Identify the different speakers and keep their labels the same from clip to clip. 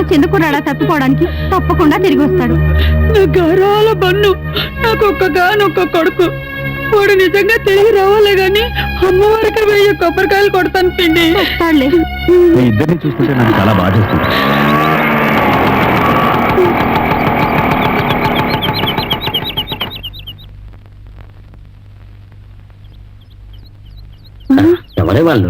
Speaker 1: చిన్నకురాడా తప్పిపోవడానికి తప్పకుండా తిరిగి వస్తాడు.
Speaker 2: నా గారాల బన్ను నాకొక్కగానొక్క కొడుకు. వాడు నిజంగా తిరిగి రావాలే గాని అమ్మవారికి 1000 కొబ్బరికాయలు కొడతాను పిండి.
Speaker 1: వస్తాడులే.
Speaker 3: మీ ఇద్దరిని చూస్తుంటే నాకు చాలా బాధేస్తుంది.
Speaker 4: ఎవరే వాళ్ళు?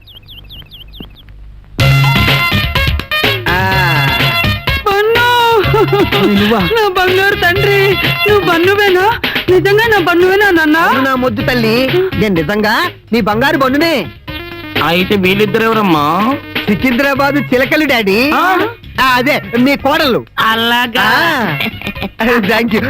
Speaker 2: నా బంగారు తండ్రి, నువ్వు బన్నువేనా? నిజంగా నా బన్నువేనా నాన్న?
Speaker 4: నా ముద్దు తల్లి, నేను నిజంగా నీ బంగారు బండునే.
Speaker 5: అయితే వీళ్ళిద్దరెవరమ్మా?
Speaker 4: సికింద్రాబాద్ చిలకలు డాడీ. అదే మీ కోడలు.
Speaker 5: అలాగా.
Speaker 4: Thank you.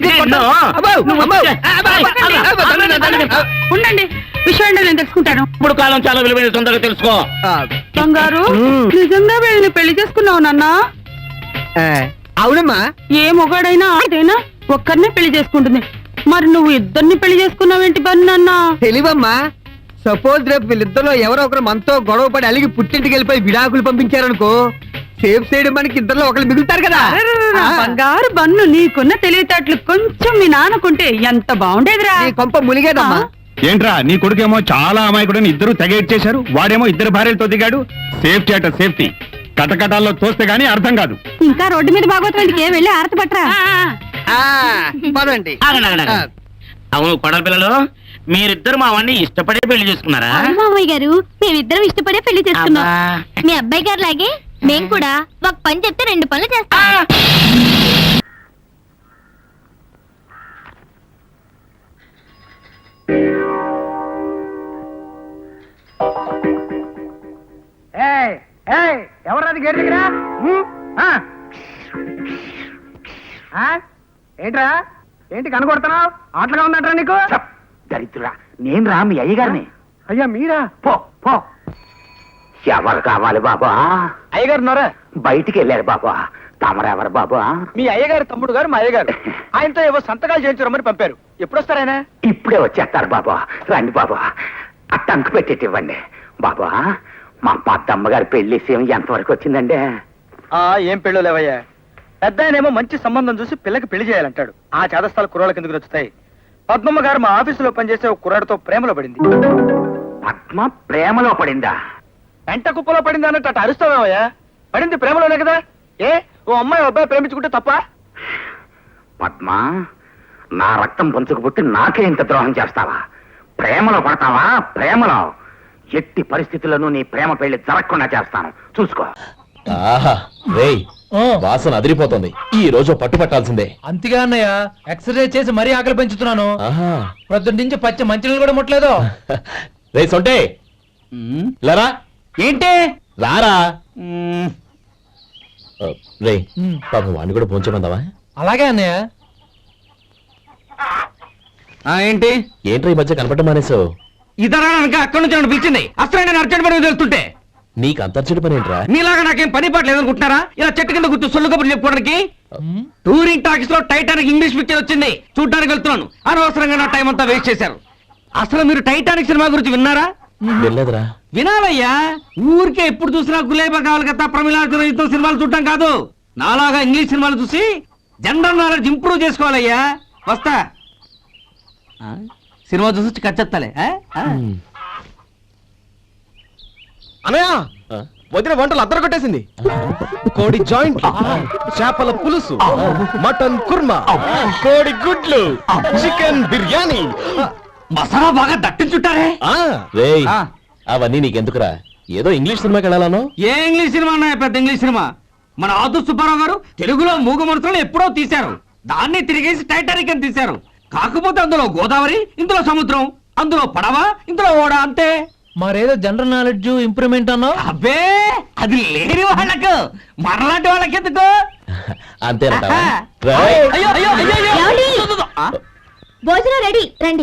Speaker 2: ఉండండి, విషయం నేను తెలుసుకుంటాను.
Speaker 5: ఇప్పుడు కాలం చాలా విలువైన, తొందరగా తెలుసుకో.
Speaker 2: బంగారు, నిజంగా వీళ్ళని పెళ్లి చేసుకున్నావు నాన్న?
Speaker 4: అవునమ్మా.
Speaker 2: ఏ మొగాడైనా ఆడైనా ఒక్కరినే పెళ్లి చేసుకుంటుంది. మరి నువ్వు ఇద్దరిని పెళ్లి చేసుకున్నావేంటి బన్నన్నా?
Speaker 4: తెలివమ్మా. సపోజ్ రేపు వీళ్ళిద్దరిలో ఎవరో ఒకరు మనతో గొడవ పడి అలిగి పుట్టింటికి వెళ్ళిపోయి విడాకులు పంపించారనుకో, సేఫ్ సైడ్ మనకి ఇద్దరిలో ఒకరు మిగులుతారు కదా.
Speaker 2: బంగారు బన్ను, నీకున్న తెలివితేటలు కొంచెం మీ నాన్నకుంటే ఎంత బాగుండేదిరా.
Speaker 4: నీ కొంప ములిగేదమ్మా.
Speaker 3: ఏంట్రా, నీ కొడుకేమో చాలా అమాయకుడని ఇద్దరు తెగేట్ చేశారు, వాడేమో ఇద్దరు భార్యలతో దిగాడు. సేఫ్టీ అట సేఫ్టీ. కటకటాల్లో తోస్తే గానీ అర్థం కాదు.
Speaker 1: ఇంకా రోడ్డు మీద బాగోతుందికే వెళ్ళి ఆరతి పట్టరా.
Speaker 4: పదండి.
Speaker 5: అవును కొడల పిల్లలు, మీరిద్దరు మా వాడిని ఇష్టపడే పెళ్లి చేసుకున్నారా?
Speaker 1: మామయ్య గారు, మేమిద్దరం ఇష్టపడే పెళ్లి చేసుకున్నాం. మీ అబ్బాయి గారు లాగే మేము కూడా ఒక పని చెప్తే 2 పనులు చేస్తాం.
Speaker 4: ఎవరది గేట్ దగ్గర? ఏంట్రా, ఏంటి కనకొడుతున్నావు? ఆటలుగా ఉందంటారా నీకు?
Speaker 5: దరిద్రుడా, నేను రా మీ అయ్యగారిని.
Speaker 4: అయ్యా మీరా?
Speaker 5: పో పో. ఎవరు కావాలి బాబా?
Speaker 4: అయ్యగారు ఉన్నారా?
Speaker 5: బయటికి వెళ్ళారు బాబా. తమరెవరు బాబా?
Speaker 4: మీ అయ్యగారు తమ్ముడు గారు మా అయ్యగారు. ఆయనతో ఏవో సంతకాలు చేయించరమ్మని పంపారు. ఎప్పుడు వస్తారాయన?
Speaker 5: ఇప్పుడే వచ్చేస్తారు బాబా. రండి బాబా, ఆ టంకు పెట్టేటి ఇవ్వండి బాబా. మా పెద్దమ్మ గారి పెళ్లి విషయం ఎంతవరకు వచ్చిందండి?
Speaker 4: ఏం పెళ్ళో లేవయ్యా. పెద్ద ఆయనేమో మంచి సంబంధం చూసి పిల్లకి పెళ్లి చేయాలంటాడు. ఆ చేదస్థాలు కుర్రాళ్ళ కిందకు వచ్చుతాయి. పద్మమ్మ గారు మా ఆఫీసులో పనిచేసే ఒక కుర్రాడితో ప్రేమలో పడింది.
Speaker 5: పద్మ ప్రేమలో పడిందా?
Speaker 4: పెంట కుప్పలో పడింది అన్నట్టు అటు అరుస్తావేమయ్యా. పడింది ప్రేమలోనే కదా. ఓ అమ్మాయి అబ్బాయి ప్రేమించుకుంటే తప్ప?
Speaker 5: పద్మ, నా రక్తం పంచుకు పుట్టి నాకే ఇంత ద్రోహం చేస్తావా? ప్రేమలో పడతావా? ప్రేమలో ఎట్టి పరిస్థితుల్లోనూ నీ ప్రేమ పెళ్లి జరగకుండా చేస్తాను, చూసుకో.
Speaker 6: వాసన అదిరిపోతుంది. ఈ రోజు పట్టుపట్టాల్సిందే.
Speaker 7: అంతగా అన్నయ్య, ఎక్సర్సైజ్ చేసి మరీ ఆకలి పెంచుతున్నాను. ప్రొద్దున నుంచి పచ్చ మంచినీళ్ళు కూడా ముట్టలేదు.
Speaker 6: రే సొంటే, లరా.
Speaker 7: ఏంటి?
Speaker 6: రారా. రే పాపం వాడిని కూడా పోంచమందావా?
Speaker 7: అలాగే అన్నయ్య. ఏంటి
Speaker 6: ఏంట్రా ఈ మధ్య కనపడటం మానేసావు?
Speaker 7: ఇతర అక్కడి నుంచి నన్ను పిలిచింది. అసలు నేను అర్జెంట్ పని తెలుస్తుంటే
Speaker 6: నీకు అంతర్చడి పని ఏంట్రా?
Speaker 7: మీలాగా నాకేం పని పాట లేదనుకుంటున్నారా? ఇలా చెట్టు కింద గుర్తు సొల్లు కబుర్లు చెప్పుకోవడానికి. టూరింగ్ టాకీస్ లో టైటానిక్ ఇంగ్లీష్ పిక్చర్ వచ్చింది, చూడడానికి వెళ్తున్నాను. అనవసరంగా నా టైం అంతా వేస్ట్ చేశారు. అసలు మీరు టైటానిక్ సినిమా గురించి విన్నారా?
Speaker 6: వెళ్ళలేదురా.
Speaker 7: వినాలయ్యా. ఊరికే ఎప్పుడు చూసినా గులేబా కావాలి కదా, ప్రమిళార్జున యుద్ధం సినిమాలు చూడటం కాదు. నాలాగా ఇంగ్లీష్ సినిమాలు చూసి జనరల్ నాలెడ్జ్ ఇంప్రూవ్ చేసుకోవాలయ్యా. వస్తా. సినిమా చూసి కచ్చెత్తాలే.
Speaker 6: అనయ్య, వదిన వంటలు అద్దరు కొట్టేసింది. కోడి జాయింట్, చేపల పులుసు, మటన్ కుర్మా, కోడి గుడ్లు, చికెన్ బిర్యానీ,
Speaker 7: మసాలా బాగా దట్టించుంటారే.
Speaker 6: అవన్నీ నీకెందుకురా? ఏదో ఇంగ్లీష్ సినిమాకి వెళ్ళాలను.
Speaker 7: ఏ ఇంగ్లీష్ సినిమా అన్నా? పెద్ద ఇంగ్లీష్ సినిమా. మన ఆదు సుబ్బారావు గారు తెలుగులో మూగ మనుషులను ఎప్పుడో తీశారు. దాన్ని తిరిగేసి టైటానిక్ అని తీశారు. కాకపోతే అందులో గోదావరి, ఇందులో సముద్రం, అందులో పడవ, ఇందులో ఓడ, అంతే. మరేదో జనరల్ నాలెడ్జ్ ఇంప్రూవ్మెంట్ అన్నా? అబ్బే, అది లేని వాళ్ళకు, మనలాంటి వాళ్ళకి ఎందుకు?
Speaker 6: అంతేనంటావా?
Speaker 1: భోజనం రెడీ, రండి.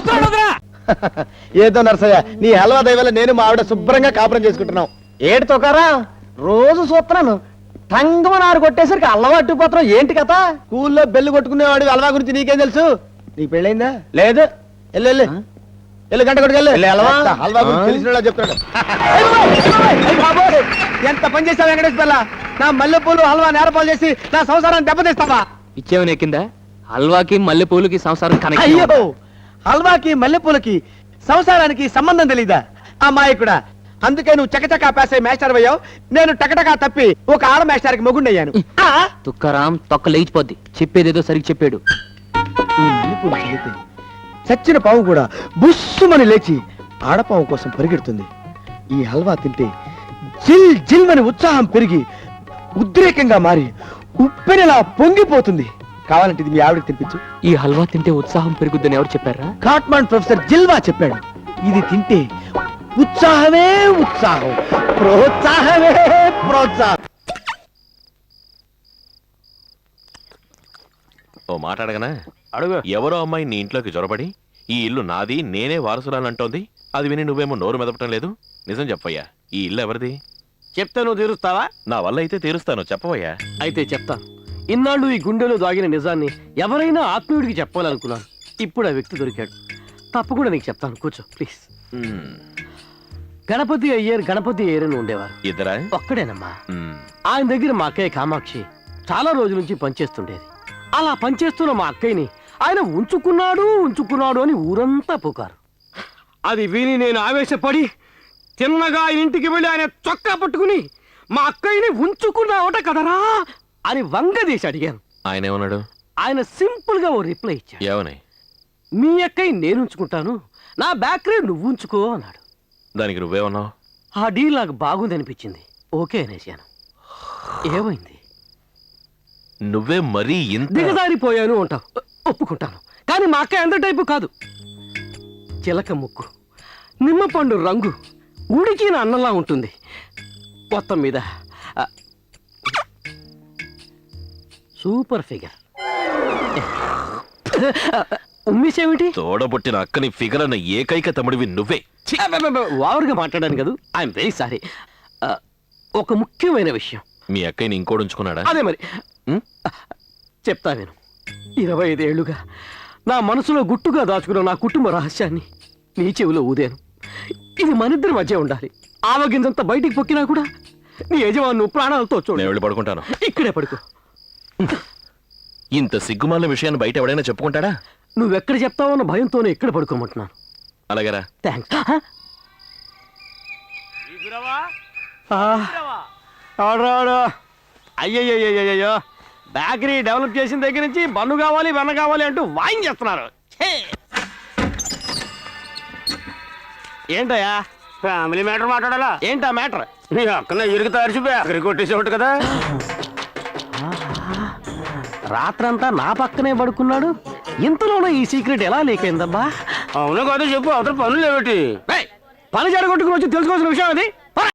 Speaker 4: ఏదో నరసయ్య, నీ హల్వా దయవల్ల నేను మా ఆవిడ శుభ్రంగా కాపురం చేసుకుంటున్నాం. ఏడు తోకారా, రోజు చూస్తున్నాను. టంగమని ఆరు కొట్టేసరికి అల్లవాటు పోతున్నాం. ఏంటి కథ? స్కూల్లో బెల్లు కొట్టుకునేవాడు హల్వా గురించి నీకేం తెలుసు? నీకు పెళ్ళైందా? లేదు. వెళ్ళు గంట కొట్టుకెళ్ళు. హల్వా గురించి తెలిసిన చెప్తాడు. ఎంత పని చేస్తావు వెంకటేష్ పిల్ల? నా మల్లెపూలు హల్వా నేరపాలు చేసి నా సంసారాన్ని దెబ్బతీస్తావా?
Speaker 8: ఇచ్చేవని ఎక్కిందా? హల్వాకి మల్లెపూలకి సంసారం కనెక్ట్
Speaker 4: అయ్యో, హల్వాకి మల్లెపూలకి సంసారానికి సంబంధం తెలీదా అమ్మాయికుడా? అందుకే నువ్వు చకచకా పేసే మేస్టర్ అయ్యావు, నేను టకటకా తప్పి ఒక ఆడ మేస్టర్కి మొగుండయ్యాను.
Speaker 8: తుక్కరాం తొక్క లేచిపోద్ది. చెప్పేదేదో సరిగ్గా చెప్పాడు.
Speaker 4: ఈ మల్లెపూలు చల్లితే చచ్చిన పాము కూడా బుస్సుమని లేచి ఆడపాము కోసం పరిగెడుతుంది. ఈ హల్వా తింటే జిల్ జిల్ అని ఉత్సాహం పెరిగి ఉద్రేకంగా మారి ఉప్పెనలా పొంగిపోతుంది. కావాలంటే ఇది మీ ఆవిడకి తినిపించు.
Speaker 8: ఈ హల్వా తింటే ఉత్సాహం పెరుగుద్దని ఎవరు చెప్పారా?
Speaker 4: కాట్మాండ్ ప్రొఫెసర్ జిల్వా చెప్పాడు. ఇది తింటే ఉత్సాహమే ఉత్సాహం, ప్రోత్సాహమే ప్రోత్సాహం.
Speaker 6: ఓ మాట అడగనా?
Speaker 8: అడుగు.
Speaker 6: ఎవరో అమ్మాయి నీ ఇంట్లోకి జొరబడి ఈ ఇల్లు నాది, నేనే వారసురాలంటోంది. అది విని నువ్వేమో నోరు మెదపటం లేదు. నిజం చెప్పయ్యా, ఈ ఇల్లు ఎవరిది?
Speaker 9: చెప్తే నువ్వు తీరుస్తావా?
Speaker 6: నా వల్ల అయితే తీరుస్తాను, చెప్పవయ్యా.
Speaker 9: అయితే చెప్తాను. ఇన్నాళ్ళు ఈ గుండెలో దాగిన నిజాన్ని ఎవరైనా ఆత్మీయుడికి చెప్పాలనుకున్నాను. ఇప్పుడు ఆ వ్యక్తి దొరికాడు. తప్పకుండా నీకు చెప్తాను, కూర్చో ప్లీజ్. గణపతి అయ్యర్ అని ఉండేవారు.
Speaker 6: ఇద్దరా?
Speaker 9: ఒక్కడేనమ్మా. ఆయన దగ్గర మా అక్కయ్య కామాక్షి చాలా రోజుల నుంచి పనిచేస్తుండేది. అలా పనిచేస్తున్న మా అక్కయ్యని ఆయన ఉంచుకున్నాడు అని ఊరంతా పుకారు. అది విని నేను ఆవేశపడి తిన్నగా ఆయన ఇంటికి వెళ్ళి ఆయన చొక్కా పట్టుకుని మా అక్కయ్యని ఉంచుకున్నావట కదరా అని వంగదీసి అడిగాను.
Speaker 6: ఆయన ఏమన్నాడు?
Speaker 9: ఆయన సింపుల్ గా ఓ రిప్లై ఇచ్చాడు.
Speaker 6: ఏమని?
Speaker 9: మీ అక్కయ్య నేను ఉంచుకుంటాను, నా బ్యాకరీ నువ్వు ఉంచుకో అన్నాడు.
Speaker 6: దానికి నువ్వేమన్నావు?
Speaker 9: ఆ డీల్ నాకు బాగుంది అనిపించింది, ఓకే అనేసాను. ఏమైంది?
Speaker 6: నువ్వే మరీ ఇంత
Speaker 9: దిగజారిపోయాను అంటావు, ఒప్పుకుంటాను. కానీ మా అక్క ఎంత టైపు కాదు. చిలక ముక్కు, నిమ్మపండు రంగు, ఉడికిన అన్నంలా ఉంటుంది. మొత్తం మీద సూపర్ ఫిగర్. ఉమ్మేసేమిటి?
Speaker 6: తోడబుట్టిన అక్కని ఫిగర్ అన్న ఏకైక తమ్ముడివి నువ్వే.
Speaker 9: ఓవర్గా మాట్లాడాను కదా, ఐఎమ్ వెరీ సారీ. ఒక ముఖ్యమైన విషయం.
Speaker 6: మీ అక్కని ఇంకోటి ఉంచుకున్నాడా?
Speaker 9: అదే మరి చెప్తా నేను. 25 ఏళ్లుగా నా మనసులో గుట్టుగా దాచుకున్న నా కుటుంబ రహస్యాన్ని నీ చెవిలో ఊదాను. ఇది మనిద్దరి మధ్య ఉండాలి. ఆవగింజంత బయటికి పొక్కినా కూడా నీ యజమాను ప్రాణాలతో చూడు.
Speaker 6: నేను వెళ్ళి పడుకుంటాను.
Speaker 9: ఇక్కడే పడుకో.
Speaker 6: ఇంత సిగ్గుమాలిన విషయాన్ని బయట ఎవడైనా చెప్పుకుంటాడా?
Speaker 9: నువ్వెక్కడ చెప్తావన్న భయంతోనే ఇక్కడ పడుకోమంటున్నాను.
Speaker 6: అలాగరా?
Speaker 9: థ్యాంక్స్. అయ్యయ్యో, బేకరీ డెవలప్ చేసిన దగ్గర నుంచి బన్ను కావాలి వెన్న కావాలి అంటూ వాయించేస్తున్నారు. ఏంటయ్యా? ఫ్యామిలీ మ్యాటర్ మాట్లాడాలా? ఏంటా మ్యాటర్? నీ అక్కనే ఇరుగు తరిచి బేకరీ కొట్టేసేవాడు కదా. రాత్రంతా నా పక్కనే పడుకున్నాడు. ఇంతలోనే ఈ సీక్రెట్ ఎలా లీక్ అయిందబ్బా? అవును కాదు చెప్పు, అవతల పనులు ఏమిటి? పని జరగొట్టుకుని వచ్చి తెలుసుకోవాల్సిన విషయం అది.